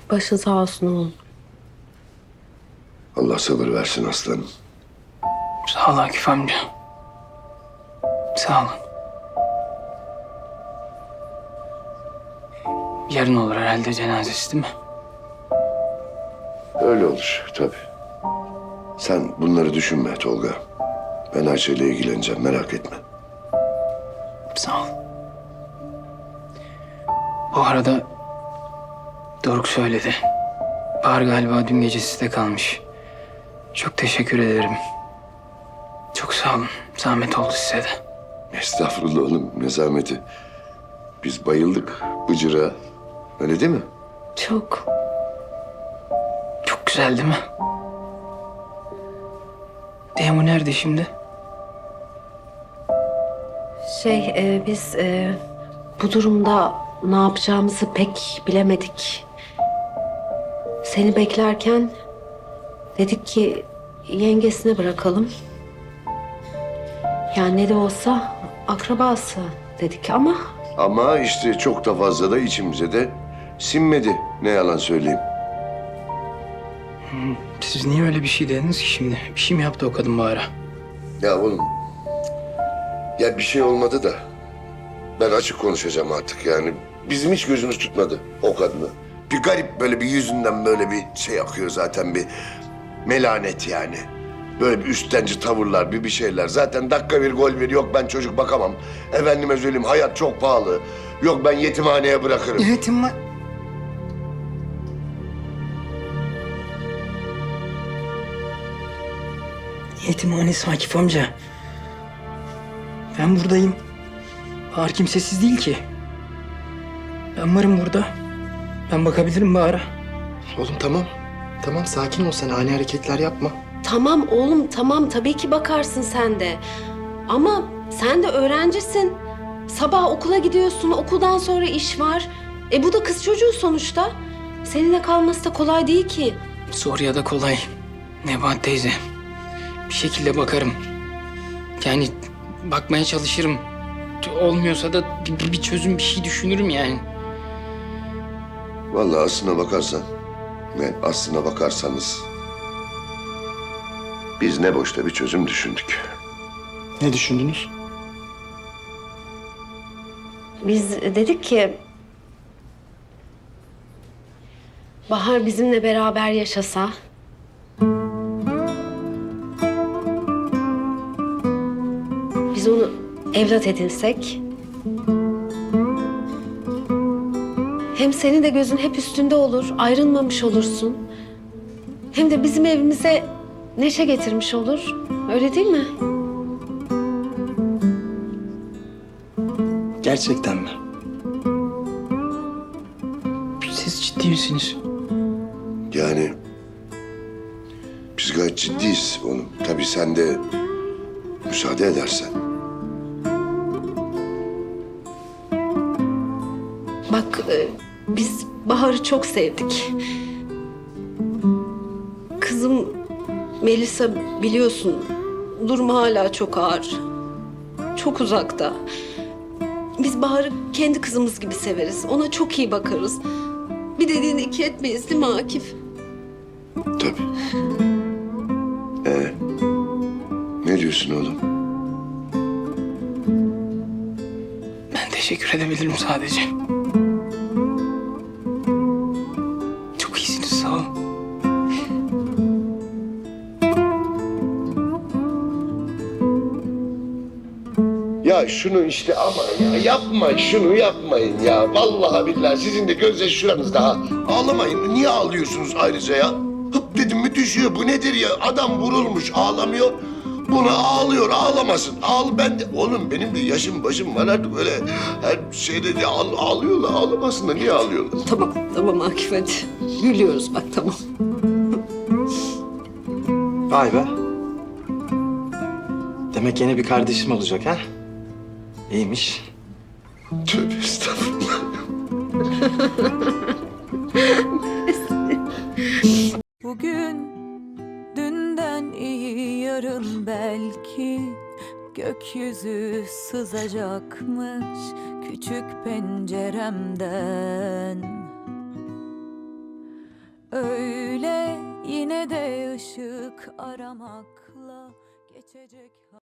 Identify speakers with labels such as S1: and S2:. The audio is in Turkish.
S1: Başın sağ olsun oğlum.
S2: Allah sabır versin aslanım.
S3: Sağ ol Akif amca. Sağ olun. Yarın olur herhalde cenazesi değil mi?
S2: Öyle olur tabii. Sen bunları düşünme Tolga. Ben Ayşe'yle ilgileneceğim, merak etme.
S3: Sağ ol. Bu arada Doruk söyledi. Bahar galiba dün gece sizde kalmış. Çok teşekkür ederim. Çok sağ olun. Zahmet oldu size de.
S2: Estağfurullah oğlum, ne zahmeti. Biz bayıldık Bıcır'a. Öyle değil mi?
S1: Çok.
S3: Çok güzel değil mi? Demo nerede şimdi?
S1: Biz bu durumda ne yapacağımızı pek bilemedik. Seni beklerken dedik ki yengesine bırakalım. Yani ne de olsa akrabası dedik ama
S2: Ama işte çok da fazla da içimize de sinmedi. Ne yalan söyleyeyim.
S3: Siz niye öyle bir şey dediniz ki şimdi? Bir şey mi yaptı o kadın Bahar'a?
S2: Ya oğlum, ya bir şey olmadı da ben açık konuşacağım artık yani. Bizim hiç gözümüz tutmadı o kadını. Bir garip böyle bir yüzünden böyle bir şey akıyor zaten, bir melanet yani. Böyle bir üstenci tavırlar, bir şeyler. Zaten dakika bir gol bir, yok ben çocuk bakamam. Efendime söyleyeyim, hayat çok pahalı. Yok ben yetimhaneye bırakırım.
S3: Yetim var. Yetimhanesi Akif amca. Ben buradayım. Bahar kimsesiz değil ki. Ben varım burada. Ben bakabilirim Bahar'a.
S4: Oğlum tamam. Tamam sakin ol sen ani hareketler yapma.
S1: tamam oğlum tamam tabii ki bakarsın sen de. Ama sen de öğrencisin. Sabah okula gidiyorsun, okuldan sonra iş var. Bu da kız çocuğu sonuçta. Seninle kalması da kolay değil ki.
S3: Zor ya da kolay. Nebahat teyze. Bir şekilde bakarım. Yani bakmaya çalışırım. Olmuyorsa da bir çözüm, bir şey düşünürüm yani.
S2: Vallahi aslına bakarsan ve aslına bakarsanız biz ne boşta bir çözüm düşündük.
S4: Ne düşündünüz?
S1: Biz dedik ki Bahar bizimle beraber yaşasa. Biz onu evlat edinsek. Hem senin de gözün hep üstünde olur, ayrılmamış olursun. Hem de bizim evimize neşe getirmiş olur. Öyle değil mi?
S4: Gerçekten mi?
S3: Siz ciddi misiniz?
S2: Yani biz gayet ciddiyiz oğlum. Tabii sen de müsaade edersen.
S1: Bak biz Bahar'ı çok sevdik. Kızım Melisa biliyorsun durumu hala çok ağır. Çok uzakta. Biz Bahar'ı kendi kızımız gibi severiz. Ona çok iyi bakarız. Bir dediğini iki etmeyiz değil mi Akif?
S2: Tabii. Ne diyorsun oğlum?
S3: Ben teşekkür edebilirim sadece. Çok iyisiniz, sağ olun.
S2: Ya şunu işte ama ya yapma, şunu yapmayın ya. Vallahi billahi sizin de gözyaşı şuranızda ha. Ağlamayın. Niye ağlıyorsunuz ayrıca ya? Hıp dedim mi düşüyor. Bu nedir ya? Adam vurulmuş ağlamıyor. Buna ağlıyor, ağlamasın. Ben de oğlum benim de yaşım başım var artık, böyle her şeyde de ağlıyorlar, ağlamasın da niye ağlıyorlar?
S1: Tamam, tamam Akif hadi. Gülüyoruz bak tamam.
S4: Vay be. Demek yeni bir kardeşim olacak ha? İyiymiş.
S2: Tövbe estağfurullah.
S5: Bugün dünden iyi yarın belki gökyüzü sızacakmış küçük penceremden. Yine de ışık aramakla geçecek.